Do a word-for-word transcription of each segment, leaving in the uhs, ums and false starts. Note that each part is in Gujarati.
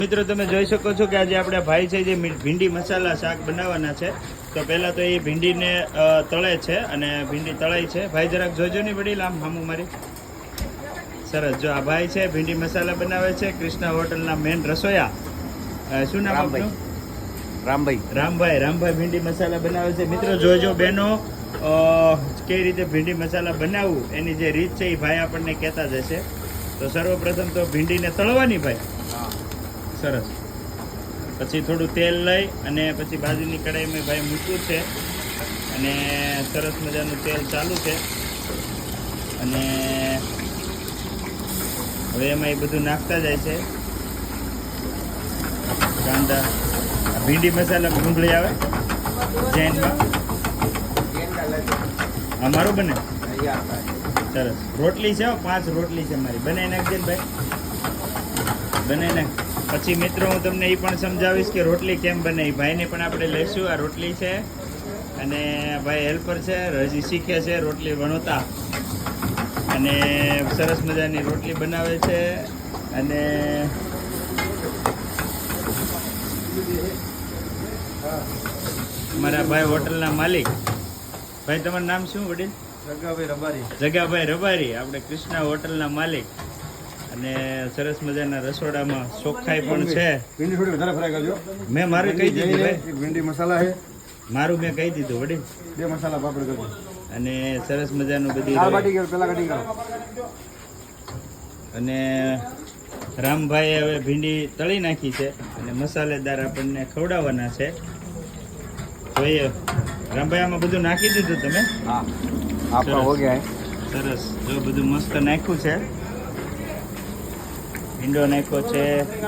મિત્રો તમે જોઈ શકો છો કે આજે આપણે ભાઈ છે જે ભીંડી મસાલા શાક બનાવવાના છે. તો પહેલા તો એ ભીંડીને તળે છે અને ભીંડી તળાઈ છે. ભાઈ જરાક જોજો નહીં વડીલ, આમ હામું મારી. સરસ. જો આ ભાઈ છે ભીંડી મસાલા બનાવે છે, કૃષ્ણા હોટલના મેન રસોયા. શું નામ આપનું? રામભાઈ. રામભાઈ. રામભાઈ ભીંડી મસાલા બનાવે છે. મિત્રો જોજો બહેનો કઈ રીતે ભીંડી મસાલા બનાવવું એની જે રીત છે એ ભાઈ આપણને કહેતા જશે. તો સર્વપ્રથમ તો ભીંડીને તળવાની ભાઈ. સરસ. પછી થોડું તેલ લઈ અને પછી બાજુની કઢાઈમાં ભાઈ મૂક્યું છે અને સરસ મજાનું તેલ ચાલુ છે અને હવે એમાં એ બધું નાખતા જાય છે. કાંદા, ભીંડી મસાલા ડુંગળી આવે જૈનમાં અમારું બને. સરસ. રોટલી છે, પાંચ રોટલી છે મારી. બનાવી નાખજે ને ભાઈ, બનાવી નાખ. પછી મિત્રો હું તમને એ પણ સમજાવીશ કે રોટલી કેમ બને. ભાઈને પણ આપણે લઈશું. આ રોટલી છે અને ભાઈ હેલ્પર છે, હજી શીખે છે રોટલી વણોતા અને સરસ મજાની રોટલી બનાવે છે. અને મારા ભાઈ હોટલના માલિક. ભાઈ તમારું નામ શું વડીલ? જગાભાઈ રબારી. જગાભાઈ રબારી, આપણે કૃષ્ણા હોટલના માલિક. અને સરસ મજાના રસોડામાં ચોખ્ખાઈ પણ છે. ભીંડી થોડી વધારે ફ્રાય કરજો. મેં મારું કહી દીધું ભાઈ. ભીંડી મસાલા છે મારું મેં કહી દીધું વડીલ. બે મસાલા પાપડ કરજો અને સરસ મજાનું બધી દાળ બાટી કરો, પેલા કટિંગ કરો. અને રામભાઈએ હવે ભીંડી તળી નાખી છે અને મસાલેદાર આપણને ખવડાવવાના છે. જોઈએ રામભાઈ, આમાં બધું નાખી દીધું તમે? હા, આપણા હો ગયા. સરસ. જો બધું મસ્ત નાખ્યું છે. ભીંડો નાખ્યો છે.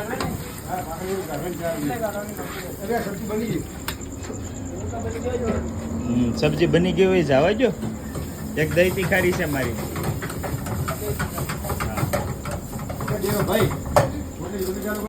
હમ સબ્જી બની ગઈ હોય જવા જો. એક દહીં તીખારી છે મારી. ભાઈ